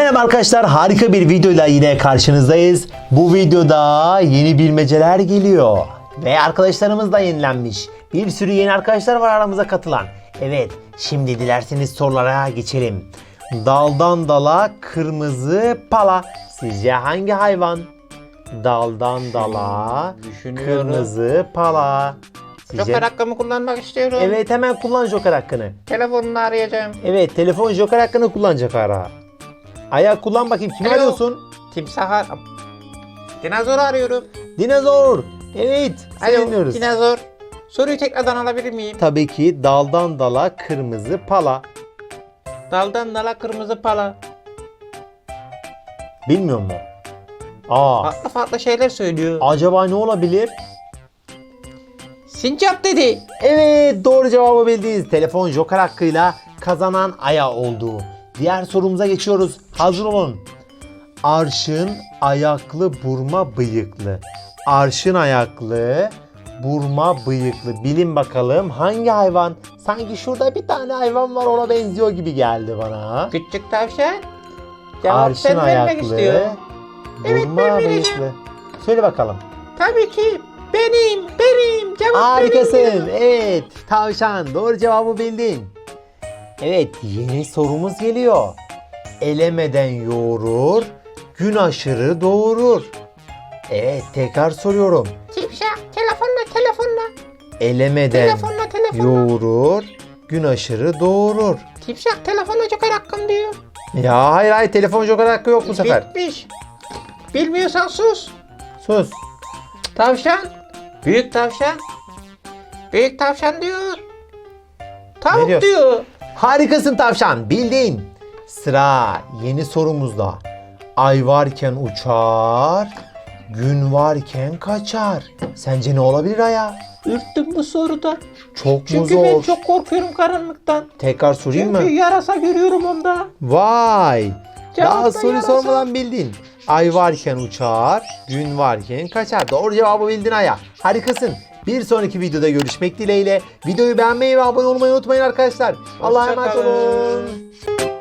Merhaba arkadaşlar, harika bir videoyla yine karşınızdayız. Bu videoda yeni bilmeceler geliyor. Ve arkadaşlarımız da yenilenmiş. Bir sürü yeni arkadaşlar var aramıza katılan. Evet, şimdi dilerseniz sorulara geçelim. Daldan dala kırmızı pala. Sizce hangi hayvan? Daldan dala Düşünüyorum. kırmızı pala. Joker hakkımı kullanmak istiyorum. Evet, hemen kullan Joker hakkını. Telefonunu arayacağım. Evet, telefon Joker hakkını kullanacak ara. Ayak kullan bakayım. Kimi Alo. arıyorsun? Timsah Dinozor arıyorum. Dinozor. Evet. Seni Alo dinliyoruz. dinozor. Soruyu tekrardan alabilir miyim? Tabii ki daldan dala kırmızı pala. Daldan dala kırmızı pala. Bilmiyor musun? Aa. Farklı farklı şeyler söylüyor. Acaba ne olabilir? Sincap dedi. Evet, doğru cevabı bildiniz. Telefon Joker hakkıyla kazanan Aya oldu. Diğer sorumuza geçiyoruz. Hazır olun. Arşın ayaklı burma bıyıklı. Arşın ayaklı burma bıyıklı. Bilin bakalım hangi hayvan? Sanki şurada bir tane hayvan var, ona benziyor gibi geldi bana. Küçük tavşan. Cevap Arşın sen vermek ayaklı istiyor. Evet, burma ben vereceğim. bıyıklı. Söyle bakalım. Tabii ki benim. Cevap Harikasın. benim. Evet. Tavşan. Doğru cevabı bildin. Evet. Yeni sorumuz geliyor. Elemeden yoğurur, gün aşırı doğurur. Evet. Tekrar soruyorum. Timsah telefonla. Elemeden Telefonla. yoğurur, gün aşırı doğurur. Timsah telefonla Joker hakkım diyor. Ya hayır, telefon Joker hakkı yok bu sefer. Bitmiş. Bilmiyorsan sus. Sus. Tavşan. Büyük tavşan. Büyük tavşan diyor. Ne Tavuk diyor? diyor. Harikasın tavşan. Bildin. Sıra yeni sorumuzda. Ay varken uçar, gün varken kaçar. Sence ne olabilir Aya? Ürktüm bu soruda. Çok mu Çünkü ben zor? çok korkuyorum karanlıktan. Tekrar sorayım Çünkü mı? yarasa görüyorum onda. Vay! Cevap Daha da soruyu yarasa. sormadan bildin. Ay varken uçar, gün varken kaçar. Doğru cevabı bildin Aya. Harikasın. Bir sonraki videoda görüşmek dileğiyle. Videoyu beğenmeyi ve abone olmayı unutmayın arkadaşlar. Allah'a emanet Hoşça kalın. olun.